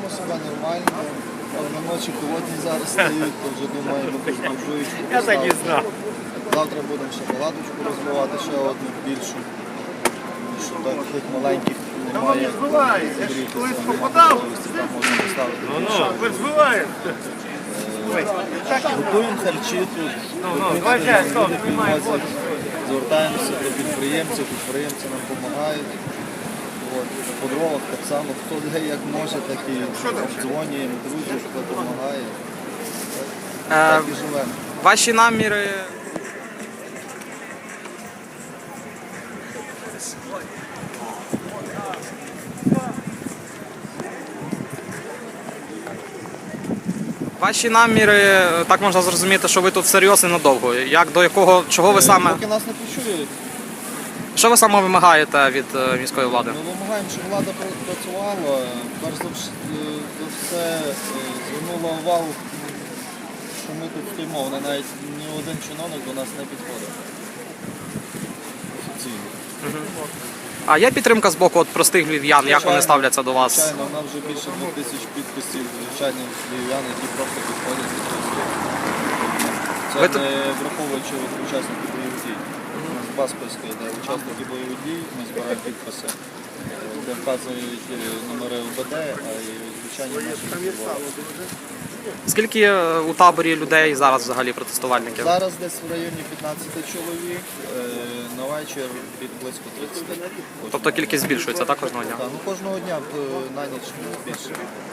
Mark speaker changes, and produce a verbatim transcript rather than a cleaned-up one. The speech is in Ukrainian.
Speaker 1: Почуваємо себе нормально. На ночі холодні зараз стають, то вже думаємо, якусь буржуєчку
Speaker 2: Я так і
Speaker 1: поставити.
Speaker 2: знав.
Speaker 1: Завтра будемо ще палаточку розвивати, ще одну більшу. Тому що таких маленьких немає. Зігрітися, немає можливості, там можна поставити.
Speaker 2: Ну, ну, ви збиваєте.
Speaker 1: Готуємо харчі тут,
Speaker 2: ну,
Speaker 1: готуємо
Speaker 2: давай,
Speaker 1: люди,
Speaker 2: Жень, стоп,
Speaker 1: люди
Speaker 2: знімай,
Speaker 1: підвозять. Звертаємося до підприємців, підприємці нам допомагають. От, по дровах так само, хто де як може, так і дзвонюємо друзів, хто допомагає. Так і живемо.
Speaker 3: Ваші наміри. Ваші наміри, так можна зрозуміти, що ви тут серйозно і надовго. Як до якого, чого ви саме,
Speaker 1: Поки нас не почують,
Speaker 3: що ви саме вимагаєте від е, міської влади?
Speaker 1: ми вимагаємо, щоб влада пра- працювала. Перш за вш- е, за все е, звернула увагу, що ми тут стоїмо. Вони навіть ні один чиновник до нас не підходить. Офіційно.
Speaker 3: А є підтримка з боку от простих львів'ян, як вони ставляться до вас?
Speaker 1: Звичайно, в нас вже більше двох тисяч підписів звичайних львів'ян, які просто підходять і працюють. Це
Speaker 3: Ви тут-
Speaker 1: не враховуючи от учасників бойових дій. У нас два списки йде. Учасники бойових дій, ми збираємо підписи, де вказують е, номери ОБД, а і звичайні наші підписи.
Speaker 3: Скільки е, у таборі людей зараз взагалі протестувальників?
Speaker 1: Зараз десь в районі п'ятнадцять чоловік, е, на вечір під близько тридцять.
Speaker 3: Тобто кількість збільшується так кожного дня?
Speaker 1: Так, ну кожного дня е, на ніч більше.